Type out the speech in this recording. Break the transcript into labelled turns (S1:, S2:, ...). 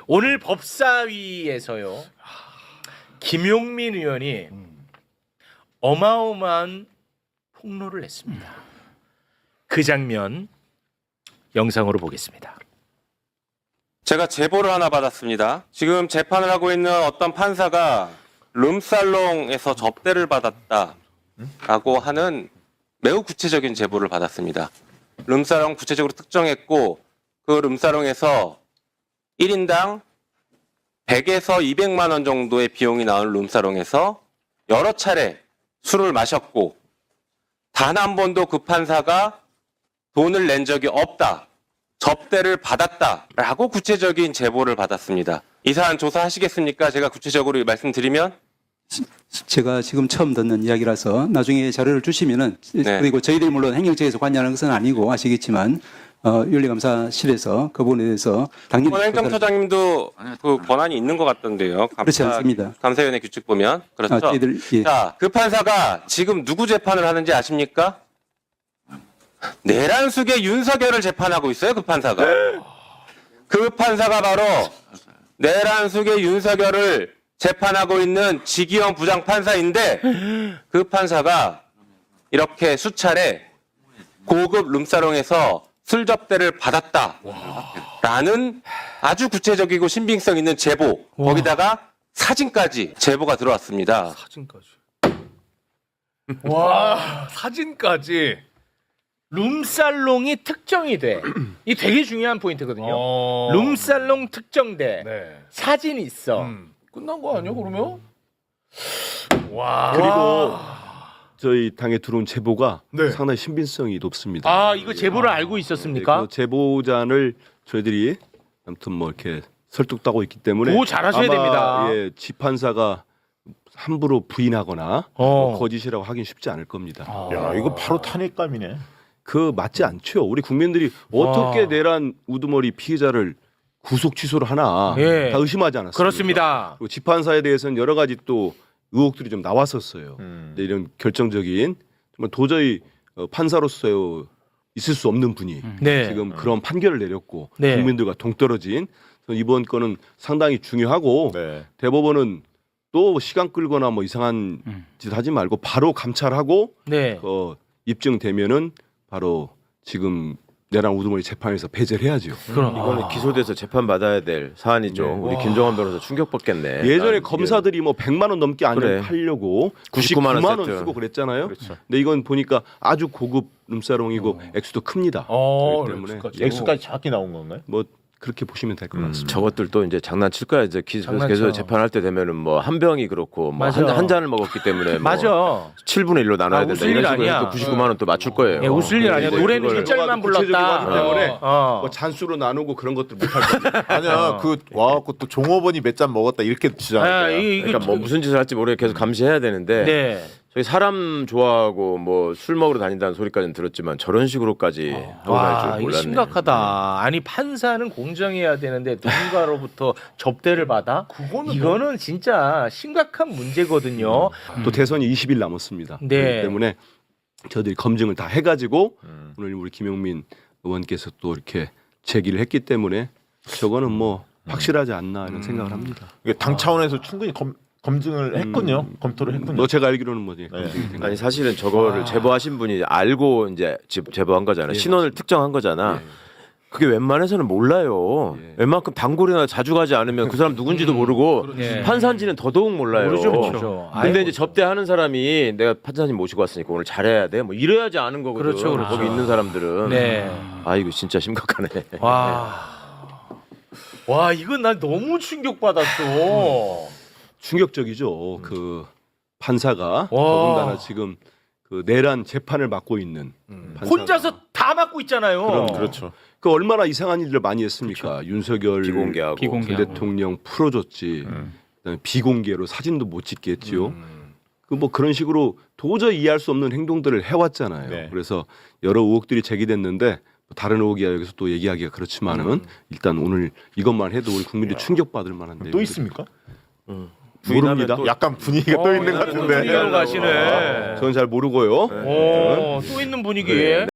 S1: 오늘 법사위에서요. 김용민 의원이 어마어마한 폭로를 했습니다. 그 장면 영상으로 보겠습니다.
S2: 제가 제보를 하나 받았습니다. 지금 재판을 하고 있는 어떤 판사가 룸살롱에서 접대를 받았다라고 하는 매우 구체적인 제보를 받았습니다. 룸살롱 구체적으로 특정했고 그 룸살롱에서 1인당 100에서 200만 원 정도의 비용이 나오는 룸살롱에서 여러 차례 술을 마셨고 단 한 번도 그 판사가 돈을 낸 적이 없다. 접대를 받았다라고 구체적인 제보를 받았습니다. 이 사안 조사하시겠습니까? 제가 구체적으로 말씀드리면
S3: 제가 지금 처음 듣는 이야기라서 나중에 자료를 주시면은
S2: 네.
S3: 그리고 저희들이 물론 행정처에서 관여하는 것은 아니고 아시겠지만 윤리감사실에서 그 부분에 대해서 당연히
S2: 이번 행정처장님도 그 권한이 있는 것 같던데요.
S3: 그렇지 않습니다.
S2: 감사위원회 규칙 보면 그렇죠.
S3: 저희들 예.
S2: 자, 그 판사가 지금 누구 재판을 하는지 아십니까? 내란숙의 윤석열을 재판하고 있어요. 그 판사가. 그 판사가 바로 내란숙의 윤석열을 재판하고 있는 지기현 부장판사인데 그 판사가 이렇게 수차례 고급 룸사롱에서 술 접대를 받았다라는 아주 구체적이고 신빙성 있는 제보, 거기다가 사진까지 제보가 들어왔습니다.
S1: 사진까지. 와, 사진까지. 룸살롱이 특정이 돼. 이 되게 중요한 포인트거든요. 룸살롱 특정돼.
S4: 네.
S1: 사진이 있어.
S4: 끝난 거 아니야 그러면?
S1: 와.
S5: 그리고 저희 당에 들어온 제보가
S4: 네.
S5: 상당히 신빙성이 높습니다.
S1: 아, 이거 제보를 알고 있었습니까?
S5: 그 제보자를 저희들이 아무튼 뭐 이렇게 설득하고 있기 때문에
S1: 보호 잘하셔야
S5: 아마,
S1: 됩니다.
S5: 예, 지판사가 함부로 부인하거나 거짓이라고 하긴 쉽지 않을 겁니다.
S4: 야 이거 바로 탄핵감이네.
S5: 그 맞지 않죠. 우리 국민들이 어떻게 내란 우두머리 피해자를 구속 취소를 하나
S1: 예.
S5: 다 의심하지 않았습니까?
S1: 그렇습니다.
S5: 그리고 지판사에 대해서는 여러 가지 또 의혹들이 좀 나왔었어요. 근데 이런 결정적인 정말 도저히 판사로서 있을 수 없는 분이
S1: 네.
S5: 지금 그런 판결을 내렸고
S1: 네.
S5: 국민들과 동떨어진 그래서 이번 건은 상당히 중요하고
S4: 네.
S5: 대법원은 또 시간 끌거나 뭐 이상한 짓 하지 말고 바로 감찰하고
S1: 네.
S5: 입증되면은 바로 지금 내란 우두머리 재판에서 배제를 해야죠.
S1: 그럼
S6: 이거는 기소돼서 재판 받아야 될 사안이죠. 우리 김종환 변호사 충격받겠네.
S5: 예전에
S6: 난
S5: 검사들이 뭐 100만 원 넘게 안을
S6: 그래.
S5: 팔려고
S6: 99만
S5: 99만 원
S6: 세트.
S5: 쓰고 그랬잖아요.
S4: 그렇죠.
S5: 근데 이건 보니까 아주 고급 룸사롱이고 액수도 큽니다. 그렇기 때문에
S4: 액수까지 작게 나온 건가요?
S5: 뭐 그렇게 보시면 될 것 같습니다.
S6: 저것들도 이제 장난칠 거야. 이제
S1: 장난쳐.
S6: 계속 재판할 때 되면은 뭐 한 병이 그렇고 뭐
S1: 맞아.
S6: 한 잔을 먹었기 때문에 뭐
S1: 맞아.
S6: 7분의 1로 나눠야 된다.
S1: 웃을 일
S6: 이런 식으로
S1: 아니야.
S6: 해서 99만 원 또 맞출 거예요.
S1: 예, 웃을 일 아니야.
S5: 네,
S1: 노래는
S5: 그걸
S1: 1절만
S5: 구체적으로
S1: 불렀다.
S5: 하기 때문에
S1: 어.
S5: 뭐 잔수로 나누고 그런 것들 못할 겁니다.
S4: 아니야 그 와갖고 또 종업원이 몇 잔 먹었다 이렇게 주장할
S1: 아,
S4: 거야.
S6: 그러니까 뭐 무슨 짓을 할지 모르게 계속 감시해야 되는데
S1: 네.
S6: 저희 사람 좋아하고 뭐 술 먹으러 다닌다는 소리까지는 들었지만 저런 식으로까지 하고 갈
S1: 와,
S6: 줄
S1: 이거
S6: 몰랐네.
S1: 심각하다. 아니 판사는 공정해야 되는데 누군가로부터 접대를 받아? 이거는 진짜 심각한 문제거든요.
S5: 또 대선이 20일 남았습니다.
S1: 네.
S5: 그렇기 때문에 저희들이 검증을 다 해가지고 오늘 우리 김용민 의원께서 또 이렇게 제기를 했기 때문에 저거는 뭐 확실하지 않나 이런 생각을 합니다.
S4: 이게 당 차원에서 충분히 검증을 했군요. 검토를 했군요.
S5: 뭐 제가 알기로는 뭐지.
S6: 아니 사실은 저거를 제보하신 분이 알고 이제 제보한 거잖아요. 신원을 특정한 거잖아. 그게 웬만해서는 몰라요. 웬만큼 단골이나 자주 가지 않으면 그 사람 누군지도 모르고
S1: 예.
S6: 판사인지는 더더욱 몰라요.
S1: 모르죠, 모르죠.
S6: 근데
S1: 아이고.
S6: 이제 접대하는 사람이 내가 판사님 모시고 왔으니까 오늘 잘해야 돼. 뭐 이래야지 아는 거거든.
S1: 그렇죠, 그렇죠.
S6: 거기 있는 사람들은.
S1: 네.
S6: 아 이거 진짜 심각하네.
S1: 와, 이건 난 너무 충격받았어.
S5: 충격적이죠. 그 판사가 더군다나 지금 그 내란 재판을 맡고 있는 판사가.
S1: 혼자서 다 맡고 있잖아요.
S5: 그럼,
S4: 그렇죠.
S5: 그 얼마나 이상한 일을 많이 했습니까? 윤석열
S6: 비공개하고.
S5: 전 대통령 풀어줬지. 그다음에 비공개로 사진도 못 찍겠지요. 그 뭐 그런 식으로 도저히 이해할 수 없는 행동들을 해왔잖아요.
S4: 네.
S5: 그래서 여러 의혹들이 제기됐는데 뭐 다른 의혹이야 여기서 또 얘기하기가 그렇지만은 일단 오늘 이것만 해도 우리 국민들이 충격받을 만한
S4: 또
S5: 내용들이
S4: 있습니까?
S5: 모릅니다.
S6: 또
S4: 약간 분위기가 또 있는 것
S1: 분위기로
S4: 같은데.
S1: 가시네.
S5: 저는 잘 모르고요.
S1: 오, 또 있는 분위기에.